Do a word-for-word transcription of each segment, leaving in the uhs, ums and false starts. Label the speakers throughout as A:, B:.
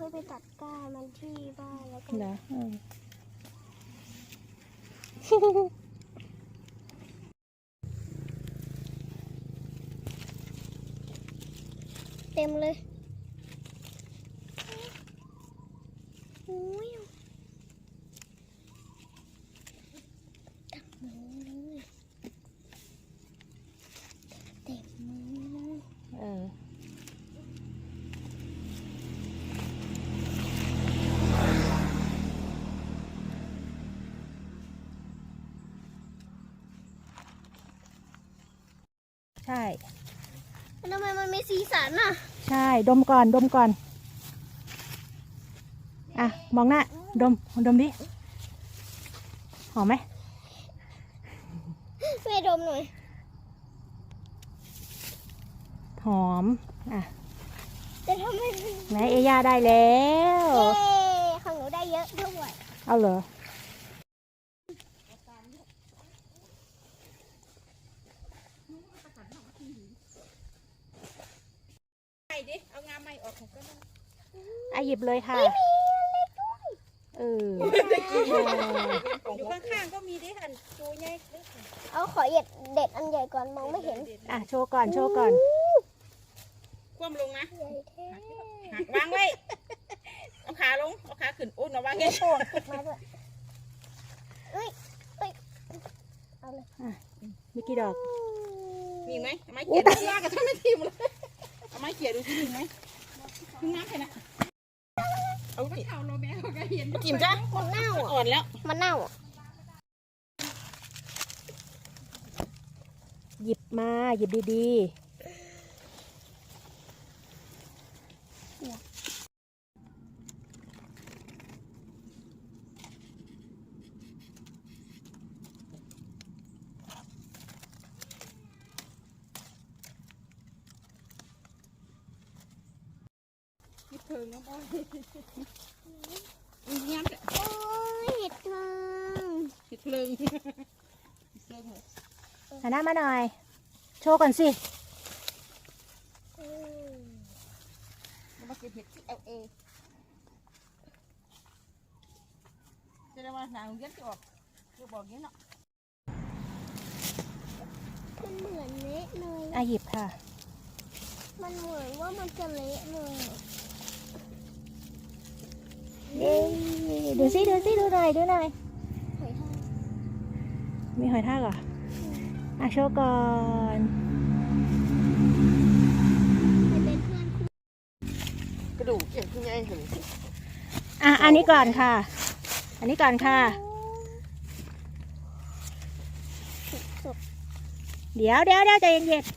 A: ยไปตัดก้านมันที่บ้านแล้วก็
B: เหรอ
A: เต็มเลยโอ้ยตักมือเลยเต็มมือเลย
B: เออใช่
A: ทำไมมันมีสีสันอ่ะ
B: ใช่ดมก่อนดมก่อนอ่ะมองหน้าดมดมดิหอมไหม
A: แม่ดมหน่อย
B: หอมอ่ะ
A: แต่ทำไม
B: แม่เอย่าได้แล้ว
A: เย้ของหนูได้เยอะด้วย
B: เอาเหรอ
C: ดิเอางาใหม่ออกของก็ได้
B: อ่ะหยิบเลยค่ะเออ
C: อยู่ข้างๆก็มีดิหันจูใหญ่
A: เอาขอเด็ดเด็ดอันใหญ่ก่อนมองไม่เห็น
B: อ่ะโชว์ก่อนโชว์ก่อน
C: คว่ำลงนะ
A: ใหญ่แท้
C: หักวางไว้เอาขาลงเอาขาขึ้นอุ้นเอาวางไง
A: โอ้ติดมาด้วยเอ้ยเอ้ยเอาเลย
B: มีกี่ดอก
C: มีไหมไม้เขียนยากกับท่านไม่ทีมเลยเอาไม้เขียนดูที่มีไหมทิ้งน้ำไปนะเอาไปเอาโรแบก็เห็นจิ้มจ้ะ
A: มันเน่า
C: อ่อนแล้ว
A: มันเน่า
B: หยิบมาหยิบดี
C: เพิงน้องบอยเงี้ยโอ้
A: ยเห็ดเพิง
C: เห็ดเพิง
B: หันหน้ามาหน่อยโชว์ก่อนสิ
C: มาเก็บเห็ดที่เอลเอจะได้ว่าหนังเย็นจะออกจะบอกงี้เนาะ
A: มันเหมือนเละเลย
B: อ่ะหยิบค่ะ
A: มันเหมือนว่ามันจะเละเลย
B: ดูสิดูสิดูหน่อยดูหน่อย
A: หอยทาก
B: มีหอยทากเหรออ่ะโชว์ก่อน
A: เป็นเพื่อน
C: กระดูกเกี่ยวขึ้นไงเห็น
B: อ่ะอันนี้ก่อนค่ะอันนี้ก่อนค่ะเดี๋ยวเดี๋ยวเดี๋ยวใจเย็น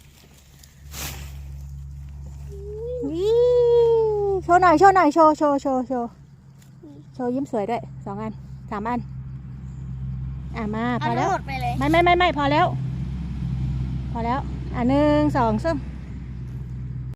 B: ๆวิวโชว์หน่อยโชว์หน่อยโชว์โชว์โชว์โชว์โชว์ยิ้มสวยด้วยสองอันสามอันอ่ะมาพอแล้วไม่ไม่ไม่ไม่พอแล้วพอแล้วอ่ะหนึ่งสองสาม